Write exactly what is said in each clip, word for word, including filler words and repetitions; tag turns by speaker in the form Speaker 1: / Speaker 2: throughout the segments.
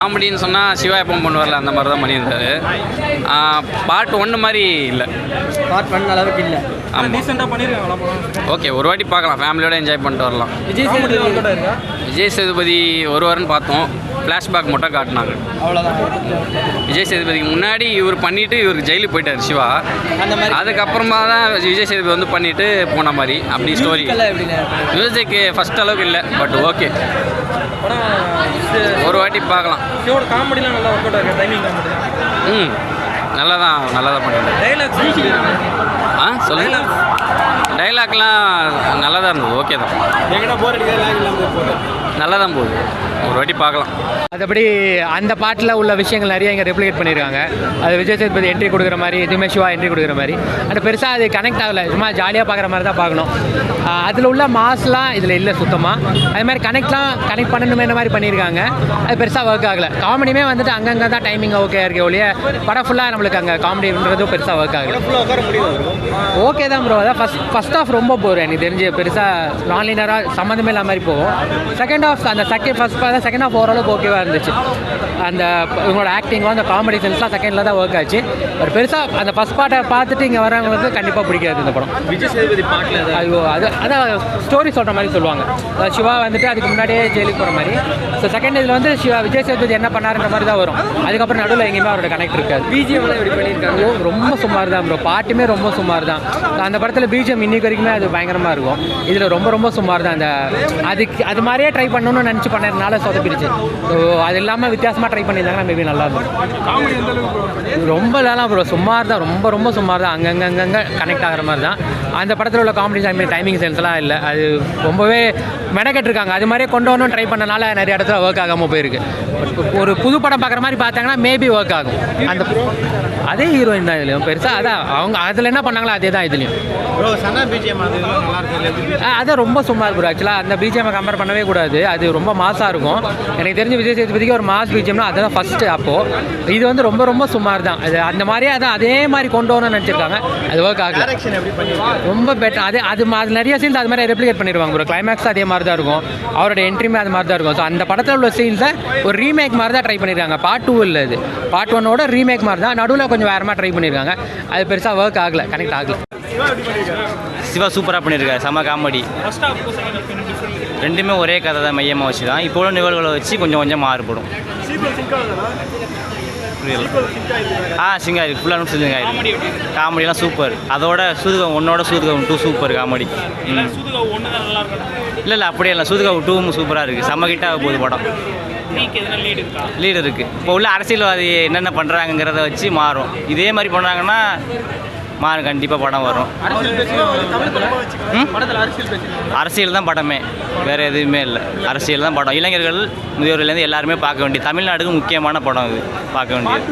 Speaker 1: காமெடின்னு சொன்னால் சிவா எப்பவும் பண்ணுவார்ல அந்த மாதிரி தான் பண்ணியிருந்தாரு. பார்ட் ஒன்று மாதிரி இல்லை,
Speaker 2: பார்ட் ஒன் அளவுக்கு இல்லை.
Speaker 1: ஆமாம்
Speaker 3: ரீசெண்டாக பண்ணியிருக்காங்களா?
Speaker 1: ஓகே, ஒரு வாட்டி பார்க்கலாம், ஃபேமிலியோட என்ஜாய் பண்ணிட்டு வரலாம்.
Speaker 2: விஜய் சேதுபதி
Speaker 1: விஜய் சேதுபதி ஒரு வாரம்னு பார்த்தோம், ஃப்ளாஷ்பேக் மட்டும் காட்டினாங்க,
Speaker 2: அவ்வளோதான்.
Speaker 1: விஜய் சேதுபதிக்கு முன்னாடி இவர் பண்ணிவிட்டு இவருக்கு ஜெயிலுக்கு போயிட்டார் சிவா.
Speaker 2: அந்த மாதிரி
Speaker 1: அதுக்கப்புறமா தான் விஜய் சேதுபதி வந்து பண்ணிவிட்டு போன மாதிரி அப்படி ஸ்டோரி. மியூசிக் ஃபஸ்ட் அளவுக்கு இல்லை, பட் ஓகே, ஒரு வாட்டி பார்க்கலாம்.
Speaker 3: சிவோட காமெடிலாம் நல்லா ஒர்க் அவுட் ஆகிருக்கு. டைமிங் காமெடி
Speaker 1: ம் நல்லா தான் நல்லா தான் பண்ணிட்டேன்.
Speaker 3: டைலாக்ஸ்
Speaker 1: ஆ சொல்லுங்க. டைலாக்லாம் நல்லா தான் இருந்தது, ஓகே தான்,
Speaker 3: எங்கன்னா போர் அடிக்காது,
Speaker 1: நல்லா தான் போகுது, ஒரு வாட்டி பார்க்கலாம்.
Speaker 4: மற்றபடி அந்த பாட்டில் உள்ள விஷயங்கள் நிறைய இங்கே ரெப்ளிகேட் பண்ணியிருக்காங்க. அது விஜய் சேதுபதி என்ட்ரி கொடுக்குற மாதிரி, இதுவுமே சிவா என்ட்ரி கொடுக்குற மாதிரி, அது பெருசாக அது கனெக்ட் ஆகலை, சும்மா ஜாலியாக பார்க்குற மாதிரி தான் பார்க்கணும். அதில் உள்ள மாஸ்லாம் இதில் இல்லை சுத்தமாக. அது மாதிரி கனெக்ட்லாம் கனெக்ட் பண்ணணுமே மாதிரி பண்ணியிருக்காங்க, அது பெருசாக ஒர்க் ஆகலை. காமெடியுமே வந்துட்டு அங்கங்கே தான் டைமிங் ஓகே இருக்கே ஒழிய படம் ஃபுல்லாக நம்மளுக்கு அங்கே காமெடின்றதும் பெருசாக ஒர்க் ஆகலை. ஓகே தான் ப்ரோ, அதான் ஃபஸ்ட் ஃபஸ்ட் ஆஃப் ரொம்ப போர் எனக்கு தெரிஞ்சு, பெருசாக நான்லீனராக சம்மந்தமே இல்லாத மாதிரி போகும். செகண்ட் ஆஃப் அந்த செகண்ட் ஃபஸ்ட் செகண்ட் ஆஃப் ஓரளவுக்கு ஓகேவாக இருந்துச்சு. அந்த இவங்களோட ஆக்டிங்கும் அந்த காமெடி சென்ஸ்லாம் செகண்டில் தான் ஒர்க் ஆச்சு. ஒரு பெருசாக அந்த ஃபஸ்ட் பார்ட்டை பார்த்துட்டு இங்கே வரவங்களுக்கு கண்டிப்பாக பிடிக்காது இந்த படம்.
Speaker 3: விஜய் சேதுபதி பாட்டில்
Speaker 4: ஐயோ அது அதான் ஸ்டோரி சொல்கிற மாதிரி சொல்லுவாங்க. சிவா வந்துட்டு அதுக்கு முன்னாடியே ஜெயிலுக்கு போகிற மாதிரி. ஸோ செகண்ட் இதில் வந்து சிவா விஜய் சேதுபதி என்ன பண்ணாருன்ற மாதிரி தான் வரும். அதுக்கப்புறம் நடுவில் எங்கேயுமே அவரோட கனெக்ட் இருக்காது.
Speaker 2: பிஜிஎம்லாம் எப்படி பண்ணியிருக்காங்க?
Speaker 4: ரொம்ப சுமார் தான் ப்ரோ, பாட்டுமே ரொம்ப சுமார் தான். அந்த படத்தில் பிஜிஎம் இன்னைக்கு வரைக்குமே அது பயங்கரமாக இருக்கும். இதில் ரொம்ப ரொம்ப சுமார் தான். அந்த அதுக்கு அது மாதிரியே ட்ரை பண்ணணும்னு நினச்சி பண்ணதுனால சொதப்பிடுச்சு. ஸோ அது இல்லாமல் வித்தியாசமாக ட்ரை பண்ணியிருந்தாங்கன்னா மேபி நல்லா இருக்கும். ரொம்ப இல்லைலாம் ப்ரோ, சுமார் தான், ரொம்ப ரொம்ப சுமார் தான். அங்கங்கே அங்கங்கே கனெக்ட் ஆகிற மாதிரி தான். அந்த படத்தில் உள்ள காமெடி டைமிங் டைமிங் சென்ஸ்லாம் இல்லை, அது ரொம்பவே மெனக்கெட்டுருக்காங்க. அது மாதிரியே கொண்டு வரணும் ட்ரை பண்ணனால நிறைய இடத்துல ஒர்க் ஆகாமல் போயிருக்கு. ஒரு புது படம் பார்க்குற மாதிரி பார்த்தாங்கன்னா மேபி ஒர்க் ஆகும். அந்த அதே ஹீரோயின் தான் இதுலையும் பெருசாக, அதான் அவங்க அதில் என்ன பண்ணாங்களோ அதே தான் இதுலையும். அதான் ரொம்ப சுமார் ப்ரோ. ஆக்சுவலாக அந்த பிஜிஎம்மை கம்பேர் பண்ணவே கூடாது, அது ரொம்ப மாசாக இருக்கும். எனக்கு தெரிஞ்ச விஜய் சேதுபதிக்கு ஒரு மாஸ் பிஜிஎம்னா அதுதான் ஃபஸ்ட்டு. அப்போது இது வந்து ரொம்ப ரொம்ப சுமார் தான். அது அந்த மாதிரியே அதான் அதே மாதிரி கொண்டு வரணும்னு நினச்சிருக்காங்க, அது ஒர்க் ஆகல. ரொம்ப பெட்டர். அது அது அது நிறைய சீன்ஸ் அது மாதிரி ரெப்ளிகேட் பண்ணிடுவாங்க ப்ரோ. கிளைமேக்ஸ் அதே மாதிரி தான் இருக்கும், அவரோட என்ட்ரிமே அது மாதிரி தான் இருக்கும். ஸோ அந்த படத்தில் உள்ள சீன்ஸை ஒரு ரீமேக் மாதிரி தான் ட்ரை பண்ணியிருக்காங்க. பார்ட் டூ இல்லை, இது பார்ட் ஒன்னோட ரீமேக் மாதிரி தான். நடுவில் கொஞ்சம் வேறு மாதிரி ட்ரை பண்ணியிருக்காங்க, அது பெருசாக ஒர்க் ஆகலை, கனெக்ட் ஆகலை.
Speaker 1: சிவா சூப்பராக பண்ணியிருக்காரு, செம்ம காமெடி. ரெண்டுமே ஒரே கதை தான் மையமாக வச்சு தான். இப்போ உள்ள நிகழ்வுகளை வச்சு கொஞ்சம் கொஞ்சம் மாறுபடும். புரியல. ஆ சிங்கா இருக்குது, ஃபுல்லாக சிங்க ஆயிருக்கு. காமெடிலாம் சூப்பர். அதோட சூதுகம் ஒன்னோட சூதுகம் டூ சூப்பர் காமெடி. இல்லை இல்லை அப்படியே இல்லை, சூதுகம் டூவும் சூப்பராக இருக்குது, செம்ம கிட்டாக போகுது படம். லீடு இருக்குது. இப்போ உள்ள அரசியல்வாதி என்னென்ன பண்ணுறாங்கிறத வச்சு மாறும். இதே மாதிரி பண்ணுறாங்கன்னா மாறும், கண்டிப்பாக படம் வரும். அரசியல் தான் படமே, வேறு எதுவுமே இல்லை, அரசியல் தான் படம். இளைஞர்கள் முதியோர்லேருந்து எல்லாருமே பார்க்க வேண்டிய, தமிழ்நாடுக்கு முக்கியமான படம் இது, பார்க்க வேண்டியது.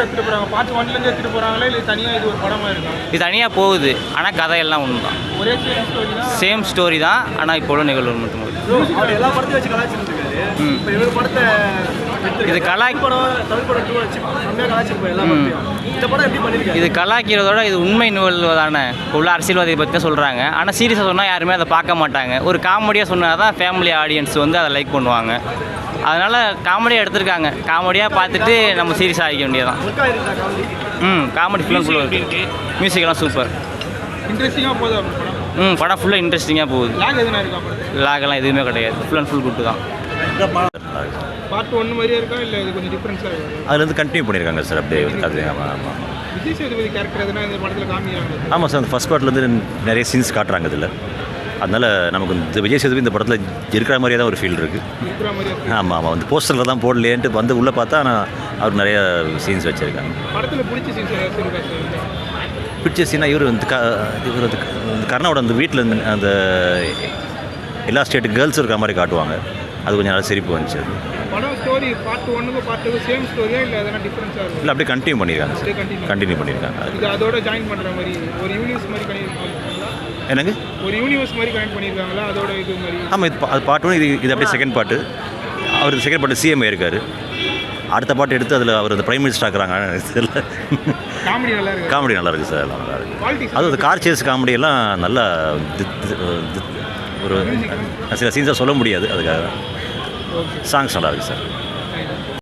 Speaker 1: இது தனியாக போகுது, ஆனால் கதையெல்லாம் ஒன்று தான், சேம் ஸ்டோரி தான், ஆனால் இப்போ உள்ள நிகழ்வு மட்டும். இது கலாய் இது கலாய்க்கிறதோட இது உண்மை நிகழ்வு தானே. உள்ள அரசியல்வாதியை பற்றி தான் சொல்கிறாங்க, ஆனால் சீரியஸாக சொன்னால் யாருமே அதை பார்க்க மாட்டாங்க. ஒரு காமெடியாக சொன்னால் தான் ஃபேமிலி ஆடியன்ஸ் வந்து அதை லைக் பண்ணுவாங்க. அதனால் காமெடியாக எடுத்திருக்காங்க, காமெடியாக பார்த்துட்டு நம்ம சீரியஸாக ஆகிக்க வேண்டியதான். ம் காமெடி ஃபுல்லாக ஃபுல்லாக இருக்குது, மியூசிக்கெல்லாம் சூப்பர்,
Speaker 3: இன்ட்ரெஸ்டிங்காக போகுது
Speaker 1: ம் படம் ஃபுல்லாக இன்ட்ரெஸ்டிங்காக போகுது. லாகெல்லாம் எதுவுமே கிடையாது, ஃபுல் அண்ட் ஃபுல் குட்டு தான்.
Speaker 3: பார்ட் ஒன்று மாதிரியே இருக்கா இல்லை இது கொஞ்சம் டிஃப்ரென்ஸாக இருக்குது?
Speaker 5: அதில் வந்து கண்டினியூ பண்ணியிருக்காங்க சார், அப்படியே அது. ஆமாம் ஆமாம்
Speaker 3: விஜய் சேதுபதி கேரக்டர் எதுனா இந்த படத்தில் காமிக்கிறாங்க.
Speaker 5: ஆமாம் சார், அந்த ஃபஸ்ட் பார்ட்லேருந்து நிறைய சீன்ஸ் காட்டுறாங்க இதில். அதனால் நமக்கு இந்த விஜய் சேதுபதி இந்த படத்தில் இருக்கிற மாதிரியே தான் ஒரு ஃபீல் இருக்குது. ஆமாம் ஆமாம், வந்து போஸ்டரில் தான் போடலேன்ட்டு வந்து உள்ளே பார்த்தா நான் அவர் நிறைய சீன்ஸ் வச்சுருக்காங்க.
Speaker 3: படத்தில் பிடிச்ச சீன்ஸ்
Speaker 5: பிடிச்ச சீனாக இவர் வந்து க இவர் வந்து கர்ணாவோட அந்த வீட்டில் அந்த எல்லா ஸ்டேட்டு கேர்ள்ஸ் இருக்கிற மாதிரி காட்டுவாங்க, அது கொஞ்சம் நல்லா சிரிப்பு வந்துச்சு.
Speaker 3: படம் ஸ்டோரி பார்ட் ஒன்னுக்கு பார்ட் டூ சேம் ஸ்டோரியா இல்லை எதனா டிஃபரன்ஸாக இருக்கும்?
Speaker 5: இல்லை அப்படியே கண்டினியூ பண்ணியிருக்காங்க சார், கண்டினியூ பண்ணியிருக்காங்க.
Speaker 3: இது அதோட ஜாயின் பண்ணுற மாதிரி ஒரு யூனிவர்ஸ் மாதிரி கனெக்ட் பண்ணியிருக்காங்களா?
Speaker 5: என்னங்க,
Speaker 3: ஒரு யூனிவர்ஸ் மாதிரி கனெக்ட் பண்ணியிருக்காங்களா அதோட இது மாதிரி?
Speaker 5: ஆமாம், இது அது பார்ட் ஒன்று, இது இது அப்படியே செகண்ட் பார்ட்டு. அவர் செகண்ட் பார்ட்டு சிஎம் இருக்கார், அடுத்த பாட்டு எடுத்து அதில் அவர் அந்த பிரைம் மினிஸ்டர் ஆக்குறாங்க.
Speaker 3: காமெடி நல்லா இருக்குது,
Speaker 5: காமெடி நல்லா இருக்குது சார், நல்லா இருக்குது. அதுவும் அந்த கார் சேஸ் காமெடியெல்லாம் நல்லா ஒரு சில சீன்ஸாக சொல்ல முடியாது, அதுக்காக சாங்ஸ் நல்லா இருக்குது சார்.